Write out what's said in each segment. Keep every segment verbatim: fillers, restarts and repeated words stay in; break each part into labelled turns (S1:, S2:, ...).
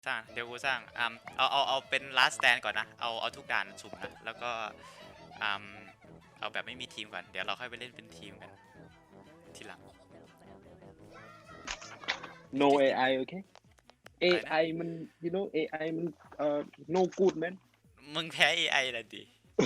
S1: สร้างเดี๋ยวกูสร้างอ่าเอาเอาเอาเป็น last stand ก่อนนะเอาเอาทุกด่านสุ่มนะแล้วก็อ่าเอาแบบไม่มีทีมก่อนเดี๋ยวเราค่อยไปเล่นเป็นทีมกันทีหลัง
S2: no เอ ไอ โอเค เอ ไอ มัน you know เอ ไอ มันเอ่อ no good man
S1: มึงแพ้ เอ ไอ ละดิ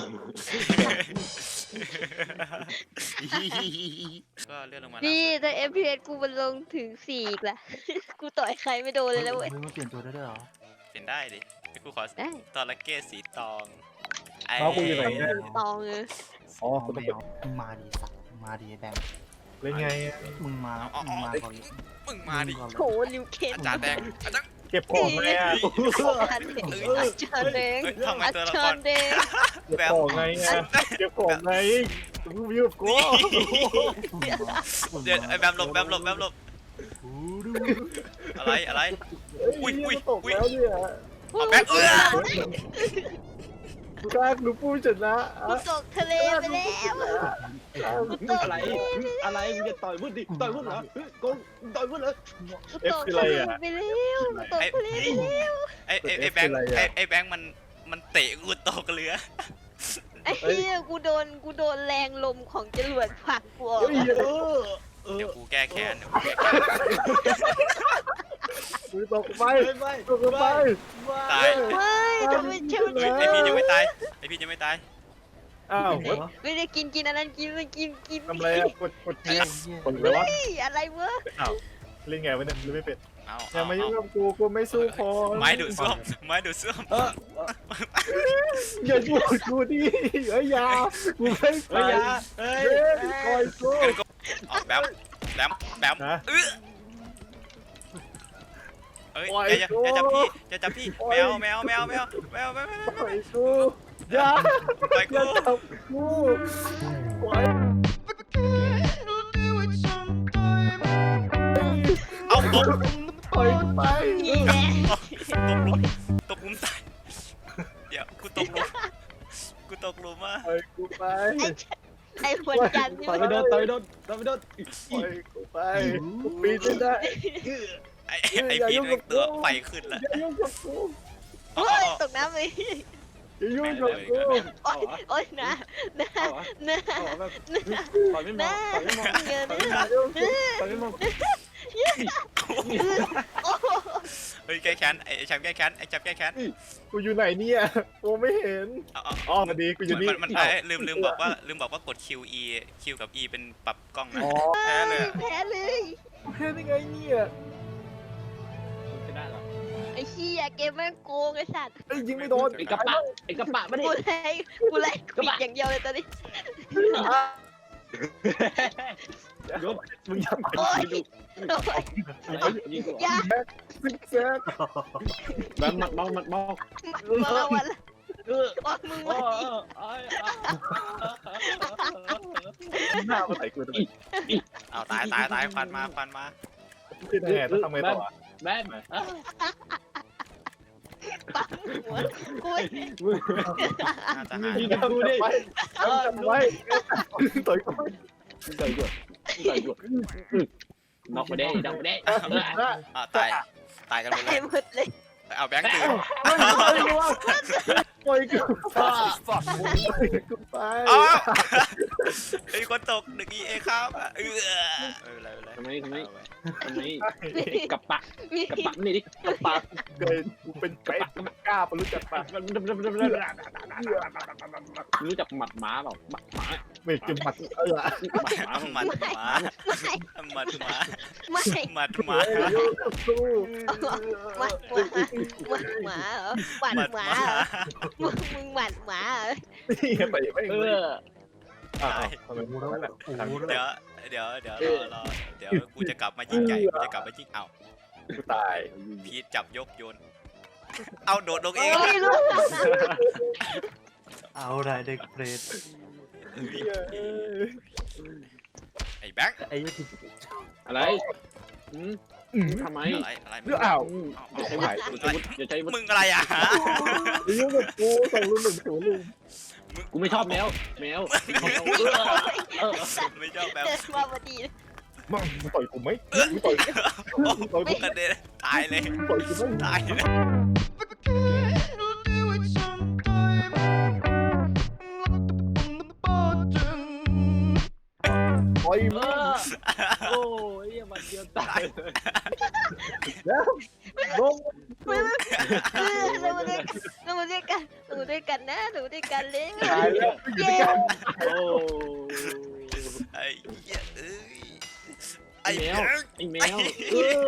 S1: ก็เลื่อนลงมา
S3: พี่แต่ เอฟ พี เอส กูมันลงถึงสี่อีกละ กูต่อยใครไม่โดนเลยแล้วเว้ย
S4: มึงมาเปลี่ยนตัวได้ด้วยเหรอ
S1: เป็นได้ดิกูขอ
S3: ได้
S1: ตอระเก้สีตองไอ้
S2: เอากูอยู่ไหนเนี่ย
S3: ตองเออ
S2: อ๋อ
S4: เอา
S2: กูต้
S4: ไม่
S2: อง
S4: เอามึงมาดีสัตว์มึงมาดีแบงค์
S2: เล่นไง
S4: มึงมามึงมาก่อนเลย
S1: มึงมาดิ
S4: งก่อนเลย
S3: โหลิวเคน
S1: อาจารย์แดงอาจารย์
S2: เก็บของไงอ่ะ
S3: อาจารย์แดงอาจารย์แดง
S1: เฮ้ยทำไม
S3: อา
S1: ตัวละค
S3: จาร รย์แดง
S2: เก็บของไงอ่ะเก็บของไงมึงอยู่กับกู
S1: เดี๋ยวไอ้แบบหลบแบบหลบแบบหลบอะไรอะไร อุ้ยอุ้ย
S2: ตกแล้วเนี่ย
S1: เอาแบ็คเอื้อ
S2: กูกล้าหนูพูดชนะ
S3: กูตกทะเลไปแล้วกูตก
S2: อะไร อะไรมึงจะต่อยวุ้นดิต่อยวุ้นเหรอโกงต่อยวุ้นเหรอ
S3: กูตกทะเลไปแล้วกูตกทะเลไปแล้ว
S1: ไอ้ไอ้ไอ้แบงค์ไอ้ไอ้แบงค์มันมันเตะกูตกเรือ
S3: ไอ้เหี้ยกูโดนกูโดนแรงลมของจรวดผลักกูออก
S2: เฮ้ยเออเออ
S1: เดี๋ยวกูแก้แค้นเดี๋ยวกูแก้แค้น
S2: มึงตกไปตกไป
S1: ตาย
S3: ไม่ทำไมเชื่อ
S1: เฮ้ยไอพี่ยังไม่ตายไอพี่ยังไม่ตาย
S2: อ้าว
S3: ไม่ได้กินกินอันนั้นกินมันกินกิน
S2: ทำไรอ่ะกดกดแทงกดเลยวะ
S3: เฮ้ยอะไรวะ
S2: อ้าวเล่นไงวะเนี่ยหรือไม่เป็น
S1: เอา
S2: อย่า
S1: เอา
S2: มายุ่ง
S1: เอา
S2: กับกูกูไม่สู้พอ
S1: ไม้ดูดซ่วมไม้ดูดซ่วม
S2: อย่ายุ่งกับกูดิเฮ้ยยากูไม่ไปเฮ้ยคอยสู้
S1: ออกแบมแบมแบมเออเอ้ยอย่าอย่าจับพี่อย่าจับพี่แมวแมวแมวแมวแมวแมว
S2: ปล่อยกูอย่า
S1: ไป
S2: อย่า
S1: กู
S2: จับกูปล่อย
S1: เอาตก
S2: ปล่อยกูไป
S3: นี่แหละ
S1: ตกหลุมตกหลุมตายเดี๋ยวกูตกหลุมกูตกหลุมอ่ะ
S2: ปล่อยกูไป
S3: ไอ้หัวจันทร์นี่
S2: ต่อย
S3: มั
S2: ไม่
S3: น
S2: โดนต่อยไม่โดนต่อยไม่โดนปล่อยกูไปกูปีนไม่ได้
S1: ไอ้ไอ้พี่นึกตัวไฟขึ้นละ
S2: อย่ายุ่งกับกู
S3: โอ้ยตกน้ำเลย
S2: อย่ายุ่งกับกู
S3: โอ้ยโอ้ยนะนะนะ
S2: ต่อยไม่ม
S3: นะ
S2: องต่อยไม่มอง
S3: เงิน
S2: ต่อยไม่มอง
S3: โอ้
S1: เฮ้ยแก้แค้นไอ้แชมป์แก้แค้นไอ้แชมป์แก้แค้น
S2: กูอยู่ไหนเนี่ยกูไม่เห็น
S1: เอาเอา
S2: อ๋อมาดีกูอยู่นี่
S1: มันมันไอ้ลืมลืมบอกว่าลืมบอกว่ากด Q E Q กับ E เป็นปรับกล้องนะ
S2: อ๋อ
S1: แพ้เลย
S3: แพ้เลย
S2: เห็นยังไงเนี่ยชนะเหรอ
S3: ไอ้เหี้ยเกมแม่งโกงไอ้สัตว์
S2: ไอ้ยิงไม่โดน
S5: ไอ้กระปะไอ้กระปะไม่ได้
S3: กูไล่กูไล่ปิดอย่างเดียวเลยตอนนี้
S2: ยกมึงยัง
S3: โอ้ยโอ้ย
S5: ยิงกู
S3: อย่า
S2: ซิกแซก
S5: แบบมัดเมามัดเมา
S3: มาละวันละ
S5: เออ
S3: ว่ามึง
S5: เอ
S3: วัน
S5: อ
S3: นี้
S5: เออ
S2: หน้ามาใส่กูทำไม
S1: เอาตายตายตายควันมาควันมา
S2: ขึ้นแห่ต้องทำไงต่อ
S5: แม่
S3: ปังหัวกู
S1: น่าจะหาย
S5: ยิงกูดิ
S2: จำไว้ต่อยกู
S5: ใส่กูใส่กูนอกไปได้นอกไปได้
S1: อ่าตายตายกันหมดเล
S3: ไอ้
S1: ย
S3: หมดเลย
S1: เอาแบงค์ตื่น
S2: ปล่อยกูปล่อยกูไป
S1: เอาไอ้คนตกหนึ่ง E A ครับเอออะไรอะไร
S5: ทำไมทำไมทำไมกระปะกระปะนี่ดิ
S2: ปากเกินกูเป็นไก่กล้าปรู้จักปาก
S5: รู้จักหมัดหมาเปล่าหมัดหมา
S2: ไม่จะมัดเออ
S5: หมัดหมา
S1: มัดหมามัดหมา
S3: ไม่
S1: มัดหมา
S2: สู้
S3: หมัดหมาหมัดหมาเหรอหมัดหมาเหรอมึงมึงหมัดหมาเหรอ
S2: นี่ไปไม่
S5: เออ
S2: อ่าทำไมกูต้องแบบ
S1: เดี๋ยวเดี๋ยวเดี๋ยวรอรอเดี๋ยวกูจะกลับมายิงใหญ่กูจะกลับมายิงเอา
S2: กูตาย
S1: พีทจับยกโยนเอาโดดลงเอง
S3: ไม่รู้
S4: เอาได้เด็กเปรต
S1: ไอ้แบงค์
S4: ไอ้ยี่สิบ
S5: อะไรทำไม
S1: อะไรอะไร
S2: เรื่องอ้าว
S5: อย่าใช้วุฒิอย่าใช้วุฒิ
S1: มึงอะไรอ่ะ
S2: ยุ่งกับกูส่งรุ่นหนึ่งศูนย์ลุง
S5: กูไม่ชอบแมวแมว
S1: ไม่ชอบแบบ
S3: เดินมาพอดี
S2: มึงต่อยกูไหมมึงต่อย
S1: โอ้โหกระเด็นตายเลย
S2: ปล่อยกูไม่
S1: ตายเลย
S2: ปล่อย
S5: เอ
S2: มึง
S5: อโอ้ยมันเดียวตายเลย
S2: แล้วลง
S3: เออเรามาด้วยกันเรามาด้วยกันเรามาด้วยกันนะเรามาด้วยกันเลย
S2: ตายแล้วอยู่ด้วยกัน
S5: โอ้
S1: ไอ้เหี้ยเอ้ยไอ้
S5: ไอ้แม
S1: แบ
S5: ว
S1: งค์
S5: ไอ้แมวเออ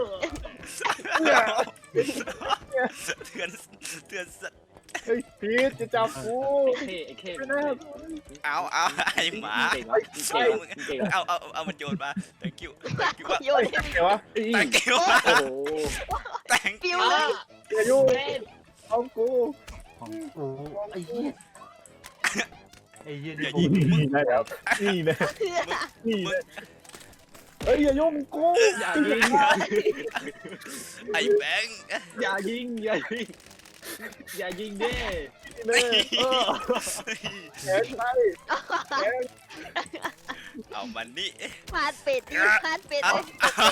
S1: เตือนเตือนสัตว์
S2: เฮ้ยพีทจะจับกู
S5: ไอ้เข้ไอ้เข้
S2: ไม่น่า
S1: เอาเอาไอ้หมา
S5: เก่งวะเก่งวะเก่งวะ
S1: เอาเอาเอามันโยนมา thank you thank you ว่า
S3: โยนให้
S2: ไงวะ
S1: thank you
S5: โอ้โห
S1: thank
S3: ปิ
S1: you
S3: วเลย
S2: อย่ายุ่ง
S5: เล่น
S2: เอากู
S4: ของโอ้ไอ้เหี้ยไอ้เหี้ย
S1: อย่า
S4: นี่
S1: ยิง
S2: นี่นะแล้วนี่นะ
S3: เพื่อ
S2: นี่นะเฮ้ยอย่ายุ่งกู
S5: อย่ายิง
S1: ไอ้แบงค์
S5: อย่ายิงอย่ายิงอย่ายิงเด้
S2: นี่นะ
S5: เออ
S2: แขนไปแขน
S1: เอามันนี่
S3: พาดเป็ดดิพาดเป็ด
S1: เอา
S3: เลย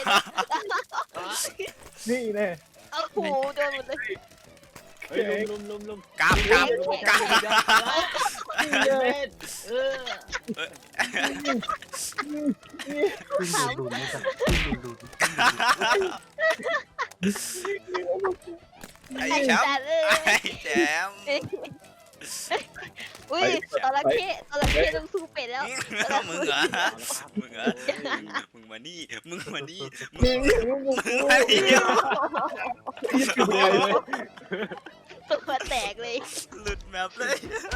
S2: นี่แน่
S3: โอ้โหโดนหมดเลย
S5: เฮ้ยลุมลุมลุมลุม
S1: กราบกราบกราบ
S5: เล่นเออ
S4: ขึ้นดูดูนี่กันขึ้นดูดู
S1: ไอ้
S3: ไอ้
S1: แชม
S3: จั
S1: ป์
S3: ดเลย
S1: ไอ้แชมป์
S3: อุ้ยตระเข้ตระเข้ต้องสู้เป็ดแล้ว
S1: มึงเหรอมึงเหรอมึงมานี่มึงมานี่มึง
S2: นี่อย่ายุ่งกู
S1: มึงมานี่
S2: ยิ่งกูเลย
S3: ตัวแตกเลย
S1: หลุดแมปเลย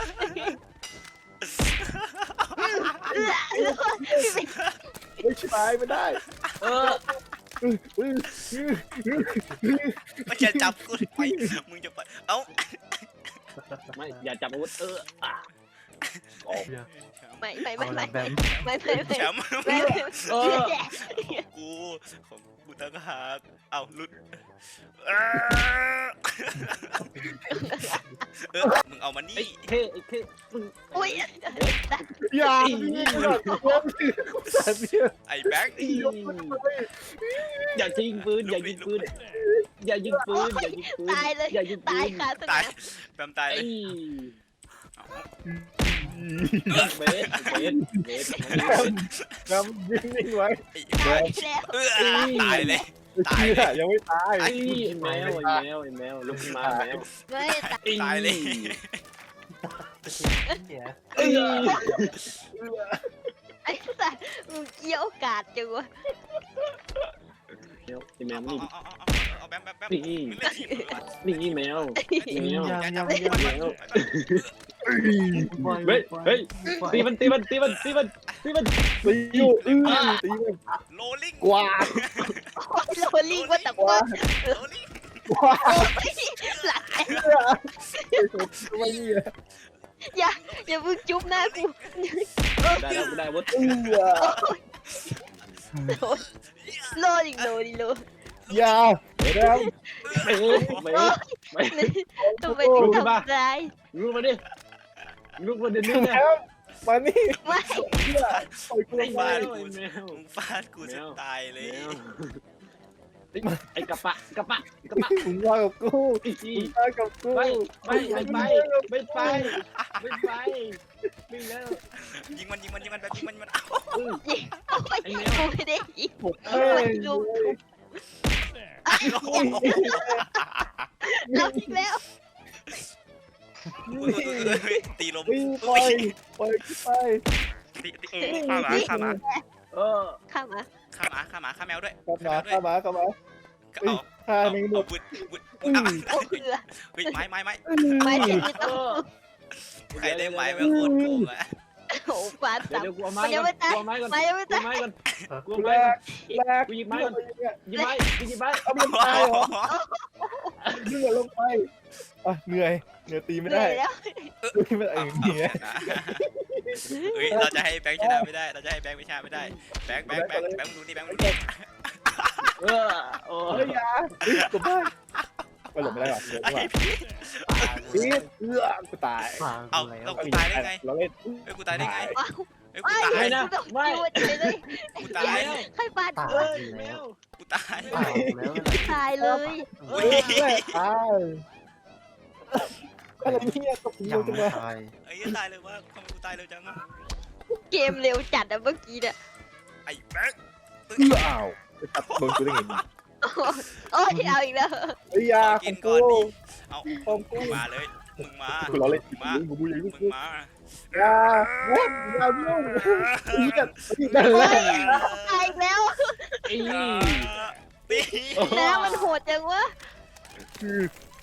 S2: ไม่ใช่ไม่ได้
S5: เออ
S1: มันจะจับกูไปมึงจะไปเอ้า
S5: ไม่อย่าจับอาวุธเอออ่ะ
S3: ไม่ไม่
S4: เอา
S3: ไม่
S4: ละ
S3: ไม่
S4: แบม
S3: ไม่ไม่ไม่
S1: แชมป์
S3: ไม่
S5: เออ
S1: กูของกูตั้งหากเอาหลุดเออมึงเอามา
S5: ไอ้
S1: นี่
S5: เท่ไอ้เท่มึง
S3: อุ้ย
S2: อย่าพี่กูอยากกูร้องแต่เนี่ย
S1: ไอ้แบงค์
S5: อีอย่ายิงปืนอย่ายิงปืนอย่ายิงปืนอย่ายิงปืน
S3: ตายเลย
S5: อย่ายิงปื
S3: ตาย
S5: น
S3: ค่ะส
S1: ตาย
S3: นาม
S1: แบมตายเล
S5: ไอ้
S1: ย
S5: เบสเบสเบส
S2: นำยิงนิ่งไว้
S1: ไอ้
S3: ตายแล้ว
S1: เออตายเลย ตาย
S2: เชื่อยังไม่ตาย
S5: ไอ้แมวไอ้แมวไอ้แมวลุกขึ้นมาแมว
S3: ไม่ตาย
S1: ตายเลย
S4: เหี้ย
S5: ไอ้
S3: ไอ้สัสมึงเกี่ยวกาดจังวะ
S5: ไอ้แมว
S1: เอา
S5: นี่
S1: เอาเอาเอาแบมแบมแบมมึงเล่นทีมเหรอวะ
S5: นี่แมวแมว
S4: ยังยัง
S1: แม
S4: ยัง
S1: ว
S5: เฮ้ยเฮ้ยตีมันตีมันตีมันตีมันตีมัน
S2: ตีอยู่อื้อตีมัน
S1: โรลลิ่ง
S2: กวาด
S3: โรลลิ่งว่าแต่
S2: กวา
S3: ว่า
S2: ด
S1: โรลลิ่ง
S2: กวาด
S3: หลัง
S2: เชื่อไอ้ตัวตัวนี้
S3: อย่าอย่ามึงจุ๊บหน้ากู
S5: ได้แล้วได้วุฒิ
S2: เอื้อ
S3: โลดิโลดิโล
S2: ยาแล้ว
S5: เฮ้ยไม่ไม่
S3: ทำไมถึงทำร้าย
S5: ลุกมาดิลุกมาเดี๋ยวนี้นะ
S2: แล้วมานี่
S3: ไม่
S2: เชื่อปล่อยกูล
S5: ไอ้
S2: ง
S5: แม
S2: ไป
S5: วไอ้แมว
S1: มึงฟาดกูจะตายเลย
S5: ไอ้กระปะกระปะกระปะ
S2: มึงมากับกู
S5: ไอ้
S2: มึงมากับกู
S5: ไม่ไม่ไม่ไปไม่ไปไม่ไปไม่แล้ว
S1: ยิงมันยิงมันยิงมันแบบยิงมันยิงมัน
S3: ยิงโอ้ยกูไม่ได้ยิง
S2: ผมเอ้ย
S3: ลุมรับอีกแล้ว
S1: ตีลม
S2: วิ่งปล่อยปล่อยกูไป
S1: ตีตีข้าหมาข้าหมา
S5: เออ
S3: ข้ามา
S1: ข้าหมาข้าหมาข้าแมวด้วย
S2: กลับมาเข้ามาเข้ามา
S1: เอา
S2: ฆ่า
S1: เอา
S2: แมง
S1: เอา
S2: มุม
S1: บุดบุด
S3: โอ้เอือ
S1: เฮ้ยไม้ไม้ไม้
S3: ไม่ใช่ที่
S5: เอ
S3: ต้อง
S5: อ
S1: ใครได้ไม้ไม่โคตรโกงอะ
S3: โอ้ฟาด
S5: เดี๋ยว
S3: สับ
S5: เดี๋ยวกูเอาไม้ก่อนกูเอาไม้ก่อน
S3: ไม่ยังไม่
S5: กู
S3: ตา
S5: เอา
S3: ย
S5: ไม้ก่อนกู
S2: กู
S5: เอา
S2: แร
S5: ไม้ก่อน
S2: กแรก
S5: กูหยิบไม้ก่อนหยิบไม้กูหยิบไม้
S2: เอามันตายเหรอเหนื่อยลงไปอ่ะเหนื่อยเหนื่อยตีไม่
S3: เหนื่
S2: ได้
S3: อยแล้ว
S2: ตีไม่ได้เองเหนื่อย
S1: เฮ้ยเราจะให้แบงค์ชนะไม่ได้ เราจะให้แบงค์ไม่ชนะไม่ได้ แบงค์แบงค์แบงค์แบงค์ดูนี่แบงค์ดูนี่
S5: เออโอ้
S2: เฮ้ยยากูบ้าไปหลบไม่ได้หรอ
S1: ไอ้พี่
S2: พีทเอื้อกูตาย
S4: ฟัง
S1: เอา
S4: แล้ว
S1: เอากูตายได้ไง
S2: เราเล่น
S1: เฮ้ยกูตายได้ไง
S3: ว้าว
S1: เอ้ย
S3: ไอ้
S1: กูตาย
S5: ไม่นะ
S3: กูต้อง
S5: ไม่
S3: ยูเฉยเลย
S1: กูตาย
S3: ใครปาด
S4: ตาย
S3: กู
S5: เอ้ยแมว
S1: กูตาย
S4: ตายแล้ว
S3: ตายเลย
S2: เฮ้ยตายอะไรเนี่ยตก
S4: ยั
S2: ยู
S4: ง
S2: จัง
S4: ไม่
S2: เลย
S4: ตาย
S1: ไอ้เหี้ยตายเลยว่าทำไมกูตายเร็วจังอะ
S3: เกมเร็วจัดอะเมื่อกี้เนี่ย
S1: ไอ้แบ๊ก
S2: เอื้ออ้าวไปตัดโดนกูได้ไงเนี่ย
S3: โอ้ยเอาอีกแล้ว
S2: เฮ้ยยา
S1: ขอ
S2: ข
S1: กิ
S2: อน ง
S1: ก่
S2: กู
S1: อนดิเอา
S2: ของกู
S1: มึงมาเลยมึงมา
S2: กูรอเล่น
S1: มึงมา
S2: กูกูยัง
S1: มึ
S2: กู
S1: งมา
S2: ยาว้าวอยายุ่งเฮียนั่นแห
S3: โอ้
S2: ละ
S3: ยตายอีกแล้ว
S5: อี
S1: ตี
S3: แล้วมันโหดจังวะ
S2: คือ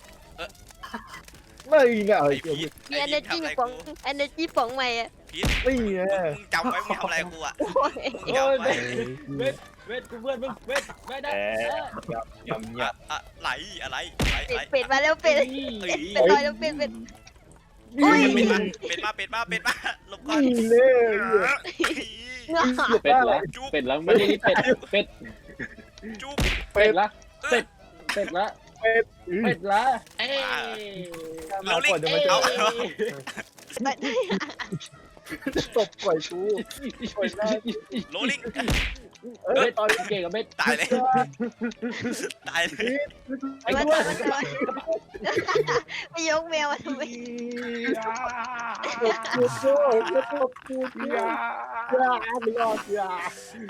S2: ไม่ไง
S1: ไอ้
S2: ไอ้
S1: พีท
S3: มี
S1: ไอ้พีท
S3: energy
S1: ทำอะไร
S3: ป๋อง
S1: กู
S3: energy ป๋องใหม่อะ
S1: พีท
S2: ไม่ไง
S1: มึงจำไว้มึงทำอะไรกูอ่ะ
S3: โอ้ย
S1: มึงจำไว้
S5: เวทเวทกูเพื่อนมึงเวทไม่ได้
S2: แหมยำย
S1: อะอะไหลอะไรอะไร
S3: เป็
S1: อะไร
S3: ดเป็ดมาแล้วเป็ด
S1: เอ้ย
S3: เป็ดลอยแล้วเป็ดเป็ด
S2: ำ
S3: โอ้ย
S1: เป็ดมาเป็ดมาเป็ดมาเป็ดมาหลบก่อน
S2: นี่เลย
S3: งา
S5: เป็ดละเป็ดละไม่ได้เป็ดเป็ด
S1: จุ๊บ
S2: เป็
S5: เป็
S2: ด
S5: ดละเป็ดเป็ดละ
S2: เป็ด
S5: เป็ดละเอ้
S2: มาก่อนจะมาเจอ ตบก่อยกู
S1: โรลลิง
S2: เอ้ยตอน
S5: เก่งกับเบ็ด
S1: ตายเลยตายเลย
S5: ไอ้
S3: มัน
S5: กู
S3: มันมันไปยกแมวมาทำไม
S2: ตบกูกูจะตบกูกูยายาไม่รอดยา
S1: ไอ้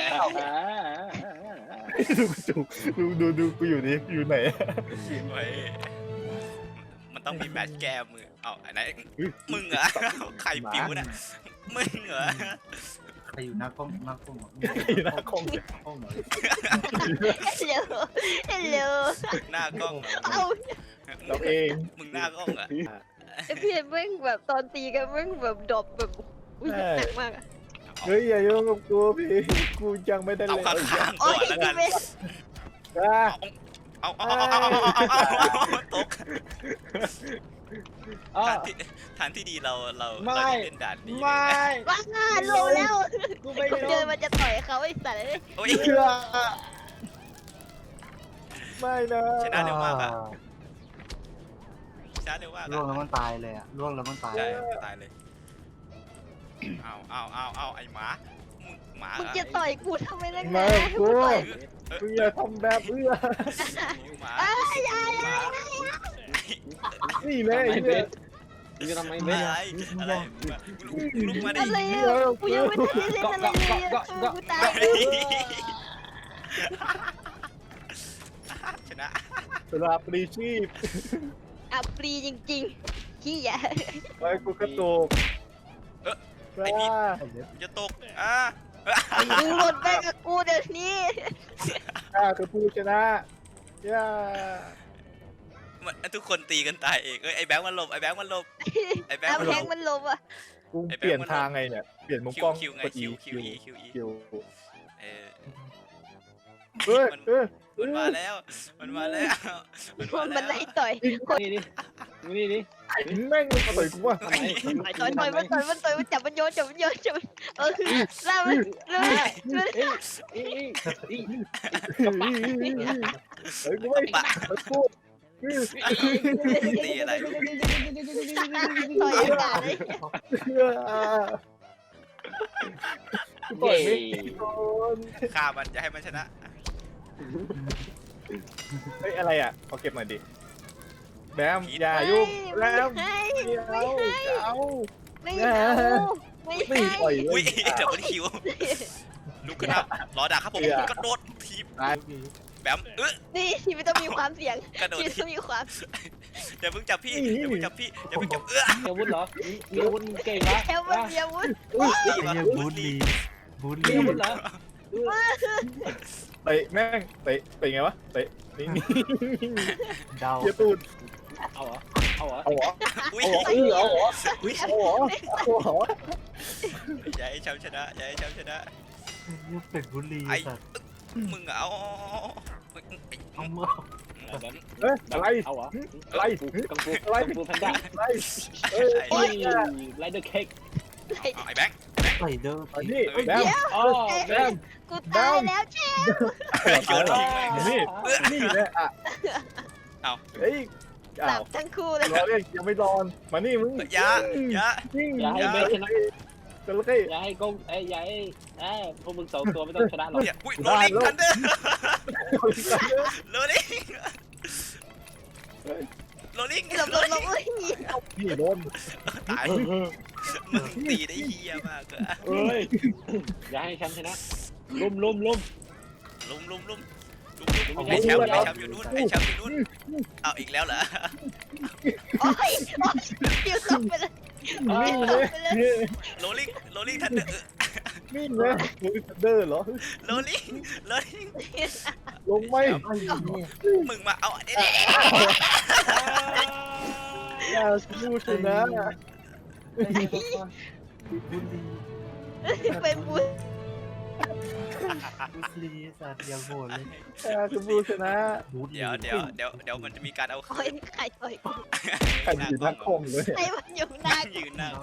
S2: ดูดูดูดูกูอยู่นี่อยู่ไหน
S1: เว้ยมันต้องมีแมตช์แก้มือเอาไหนมึงเหรอใครปิวน่ะมึงเหรอ
S4: ใครอยู่หน้ากล้องหน้ากล้อง
S2: หน้าคง
S4: ห้องไหน
S3: ฮัลโหลฮัลโหล
S1: หน้ากล้องเหรอ
S3: เอา
S2: เราเอง
S1: มึงหน้ากล้องเหรอ
S3: ไอพี่เม่งแบบตอนตีกันเม่งแบบดรอปแบบอุ้ยหนักมากอะ
S2: เฮ้ยอย่ายุ่งกับกูพี่กูยังไม่ได้
S1: เอา
S2: เลย
S1: ข้างๆ
S3: โอ้
S1: ก่อย นแล้วกัน
S3: พี่เม่ง
S2: อ่ะ
S1: เอาเอาเอาเอาเอาเอาเอาเอาตก
S5: อ๋อ
S1: ฐานที่ฐานที่ดีเราเรา
S5: ไม่
S1: เราเล่นด่านนี้
S5: ไม่
S3: ว้าโลแล้ว
S5: กูไม่
S3: กู
S5: ย
S3: เดิ
S5: อน ม
S3: มันจะต่อยเขาไอ้สัตว์เลย
S1: โอ้ย
S2: เชื่อไม่นะ
S1: ชนะเร็วมากอะชนะเร็วมาก
S4: ล่วง
S1: อะ
S4: แล้วมันตายเลยอะล่วงแล้วมันตาย
S1: ใช่ตายเลยเอาเอาเอาเอาไอหมามึงหมา
S3: มึง
S1: เหรอ
S3: จะต่อยกูทำไมนักห
S2: ไม่
S3: นา
S2: กู
S3: ต่อย
S2: มึงอย่าทำแบบเอื้อ
S1: หมา
S3: อ้ายอ้าย
S1: หมา
S2: นี่แน่
S5: ทำไม
S2: เนี่
S5: เบ็
S2: ย
S5: ดมึงจะทำไม
S1: อะ
S5: เบ็ด
S1: ไรอะไรลุกมาดิ
S3: อะไรอ่ะกูยังไม่ทันได้เล่นอะไรเลยอ่ะกูตาย
S1: ชนะ
S2: สำหรับปรีชีพ
S3: อ่ะปรีจริงๆขี้อ่ะ
S2: ไว้กูกระตุกว้า
S1: จะตกอ่ะ
S3: มึงหลุดไปกับกูเดี๋ยวนี้
S2: ข้าคือผู้ชนะย่า
S1: มันทุกคนตีกันตายเองเอ้ยไอแบงค์มันหลบไอแบงค์มันหลบไอแบงค์
S3: เอา
S1: มันห
S3: แท
S1: ล
S3: ง
S1: บ
S3: มันลมอ่ะ
S2: กูเปลี่ยนทางไงเนี่ย เปลี่ยนมุม
S1: คิ
S2: ก
S1: ว
S2: ล้อง
S1: คิวไง
S2: กด
S1: คิว
S2: E
S1: คิวอีคิวอี
S2: คิว
S1: เออ
S2: เฮ้ยเฮ้ย
S1: มันมาแล้ว มันมาแล้ว มันมา
S3: มัน
S1: แล้
S3: ไล่
S1: ว
S3: ต่อย
S5: นี่ดินี่ดิ
S2: แม่งมันต่อยกูว่า
S5: ทำไม
S3: ต่อยต่อยมันต่อยมันต่อยมันจับมันโยนจับมันโยนจับมันเออล่ามันล่ามัน
S5: เอ้ยเอ้ยเอ้ย
S2: เฮ้ยกูไม่
S1: ปะ
S2: กู
S1: ตีอะไร
S3: ต่อยอากาศเลย
S2: กูต่อยไม่โดน
S1: ฆ่ามันจะให้มันชนะ
S2: เฮ้ยอะไรอ่ะขอเก็บหน่อยดิแบมอย่ายุ่งแบม
S3: ไม่
S2: ไม่เอาไม่เอา
S3: ไม่เอาไม่
S2: ไม่
S3: ให้
S2: ปล่อยเล
S1: อุ้ย
S2: ย
S1: เดี๋ยวมันคิวลุกขึ้นครับรอดักครับผมกระโดดทีบ
S2: ตาย
S1: แบมเออ
S3: นี่ที่ไม่ต้องมีความเสี่ยง
S1: กระโดด
S3: ที่
S1: ที
S3: ต้องมีความ
S1: อย่าเพิ่งจับพี่อย่าเพิ่งจับพี่อย่าเพิ่งจับเออ
S5: มีอาวุธเหรอมีอาวุธเก่งเหรอ
S3: แค่มันมีอาวุธ
S1: ตี
S4: ไอ้
S1: มา
S4: เหี้ยบูลลีบูล
S5: มี
S4: ลี
S5: อาวุธเหรอ
S2: เตะแม่งเตะเตะไงวะเตะนี่นี่
S4: เดา
S2: เกียตูด
S5: เอาเหรอเอาเหรอ
S2: เอาเหรอ
S1: อุ้ย
S2: เอาเหรอเอาเหรอเอาเหรอเอาเหรอ
S1: อย่าให้แชมป์ชนะอย่าให้แชมป์ชนะ
S4: เป็นบูลลีสัตว์
S1: มึงเอา
S4: เอาเมื่อ
S2: เฮ้ยอะไร
S5: เอาเหรอ
S2: อะไร
S5: กังฟู
S2: อะไร
S5: กังฟูแพนด้า
S2: อะไรเฮ้ย
S5: โอ้ยไรเดอร์เค้ก
S1: ไอ้แบงค์
S4: ใส่เด้อ
S2: อันนี้แบม
S5: อ๋อ
S2: แบม
S3: กูตายแล้วเชฟ
S1: โยนทิ้งเลย
S2: นี่นี่แหละอ่ะ
S1: เอา
S2: เฮ้ย
S3: ห
S2: อ้า
S3: ลั
S2: ว
S3: บทั้งคู่เลย
S2: รอเรียกยังไม่รอนมานี่มึง
S1: อย่าอย่า
S2: นิ่ง
S5: อย่าให้เบสชนะ
S2: จระเข้
S5: อย่าให้กงเอ้ยอย่าให้เอ้ยพวกมึงสองตัวไม่ต้องชนะหรอก
S1: เนี่ยอุ้ยโรลิงทันเดอร์โรลิงโรลิง
S3: หลบหลบหลบเอ้ย
S2: นี่โดน
S1: ตายมึงตีได้เฮียมากเลย
S5: เอ้ยอย่าให้ฉันชนะลุมลุมลุม
S1: ลุมลุมลุมลุมลุมไอแชมป์ไอแชมป์อยู่นู่นไอแชมป์อยู่นู่นเอาอีกแล้วเหรอ
S3: โอ้ยโอ้ยเดี๋ยวตกไปเลย
S2: วิ่งเลย
S1: โรลิงโรลิงทันเดอร์
S2: วิ่งเลยเดินเหรอ
S1: โรลิงโรลิง
S2: ลงไม่
S4: ไอ้เหี้ย
S1: มึงมาเอาเด็ด
S2: อย่าสู้ชนะ
S4: ไอ้เหี้ยบุรี
S3: เป็นบุญ
S4: บุรีสัตว์อย่างโหดเลย
S2: อย่าสู้ชนะ
S4: บูธ
S1: เดี๋ยวเดี๋ยวเดี๋ยวเดี๋ยวมันจะมีการเอา
S3: โอ้ยใครต่อยกู
S2: ใครอยู่หน้าคอมเลย
S3: ไอ้มันอยู่หน้า
S1: ยืนหน้า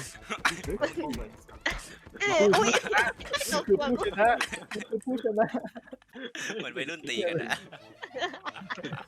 S3: เอออุ้ยตก
S2: คือ
S3: หัว
S2: ผู้
S3: กู
S2: ชนะคือผู้ชนะ
S1: เหมือนวัยรุ่นตีกันนะ